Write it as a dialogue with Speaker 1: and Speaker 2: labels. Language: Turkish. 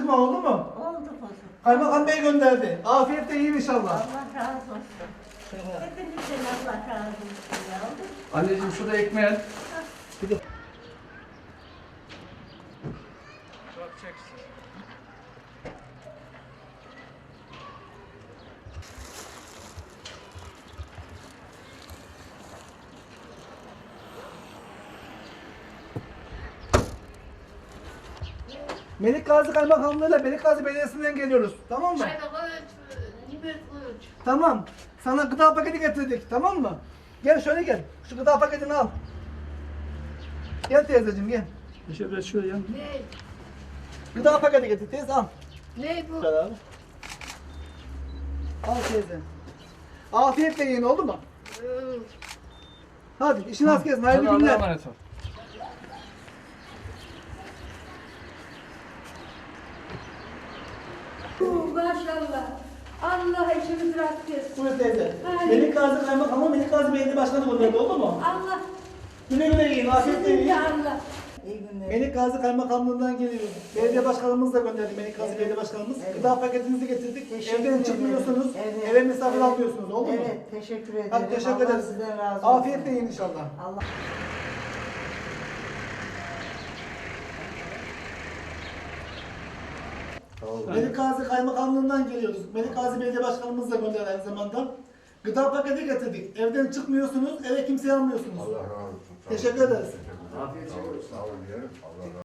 Speaker 1: mı? Oldu mu?
Speaker 2: Oldu kuzum.
Speaker 1: Kaymakam Bey gönderdi. Afiyetle yiyin inşallah.
Speaker 2: Allah razı olsun. Hepinizden Allah razı olsun yavrum.
Speaker 3: Anneciğim şurada ekmeğin.
Speaker 1: Melik Gazi Kaymakamlığı'yla Melik Gazi Belediyesi'nden geliyoruz. Tamam mı? Tamam. Sana gıda paketi getirdik. Tamam mı? Gel şöyle gel. Şu gıda paketini al. Gel teyzeciğim gel.
Speaker 3: Şöyle şöyle yan.
Speaker 4: Ne?
Speaker 1: Gıda paketi getir teyze al.
Speaker 4: Ne bu?
Speaker 1: Gel abi. Al teyze. Afiyetle yiyin oldu mu? Hadi işin az gelsin. Hayırlı
Speaker 3: Hadi Allah'a
Speaker 1: günler.
Speaker 3: emanet ol.
Speaker 4: Maşallah. Allah işimizi rast etsin.
Speaker 1: Buyur teyze.
Speaker 4: Hayır.
Speaker 1: Melik Gazi Kaymakamı Melik Gazi Belediye Başkanı gönderdi oldu mu?
Speaker 4: Allah
Speaker 1: Güle güle yiyin. Afiyetle
Speaker 4: sizin
Speaker 1: yiyin.
Speaker 4: de Allah.
Speaker 2: İyi günler.
Speaker 1: Melik Gazi Kaymakamlığı'ndan geliyoruz. Belediye başkanımız da gönderdi. Melik Gazi
Speaker 2: Evet.
Speaker 1: Belediye Başkanımız.
Speaker 2: Evet.
Speaker 1: Gıda paketinizi getirdik.
Speaker 2: Teşekkür
Speaker 1: Evden
Speaker 2: ederim.
Speaker 1: çıkmıyorsunuz.
Speaker 2: Evet.
Speaker 1: Eve misafir
Speaker 2: Evet.
Speaker 1: almıyorsunuz. Oldu mu?
Speaker 2: Evet, teşekkür ederim.
Speaker 1: Hadi teşekkür
Speaker 2: Allah
Speaker 1: ederiz.
Speaker 2: sizden razı olsun.
Speaker 1: Afiyetle yiyin inşallah.
Speaker 2: Allah.
Speaker 1: Melik Gazi Kaymakamlığı'ndan geliyoruz. Melik Gazi Belediye Başkanımız da gönderdi aynı zamanda. Gıda paketi getirdik. Evden çıkmıyorsunuz, eve kimseyi almıyorsunuz.
Speaker 5: Allah razı olsun.
Speaker 1: Teşekkür ederiz.
Speaker 5: Afiyet olsun. Sağ olun. Allah razı olsun.